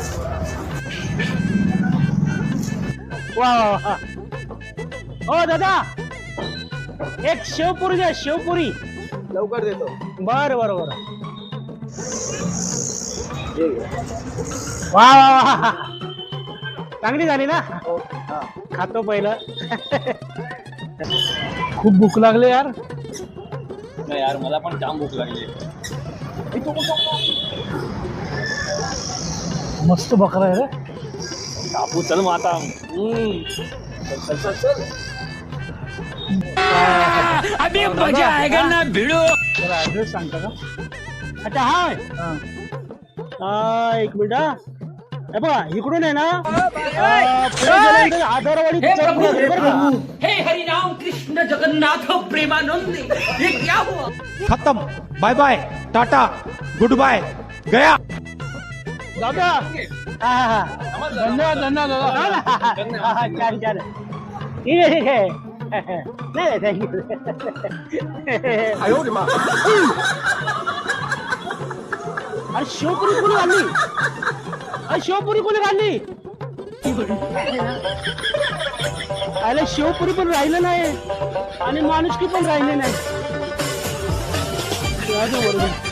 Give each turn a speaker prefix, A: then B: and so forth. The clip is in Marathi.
A: वा वा. ओ दादा, एक शेवपुरी द्या, शेवपुरी.
B: लवकर देतो.
A: बर बर बर. वा वा वा, चांगली झाली ना. खातो पहिलं. खूप भूक लागली यार.
B: नाही यार, मला पण जाम भूक लागली.
A: मस्त बकरा आहे रे.
B: कापू चल मग आता. चल चल.
A: अभी मजा आएगा ना भिडो. जरा ऍड्रेस सांगता का? अच्छा हाय. एक मिनिट हा. हे बघा इकडून आहे ना, आधारवाडी.
C: हे हरिनाम कृष्ण जगन्नाथ प्रेमानंद, ये क्या हुआ?
D: खत्म. Bye bye, tata, good bye, गया.
A: दादा. धन्यवाद धन्यवाद दादा. छान छान. ठीक आहे ठीक आहे. नाही थँक्यू. अरे शिवपुरी कोणी घालली? अरे शिवपुरी कोणी घालली? अरे शिवपुरी पण राहिलं नाही आणि माणुसकी पण राहिली नाही. बरोबर.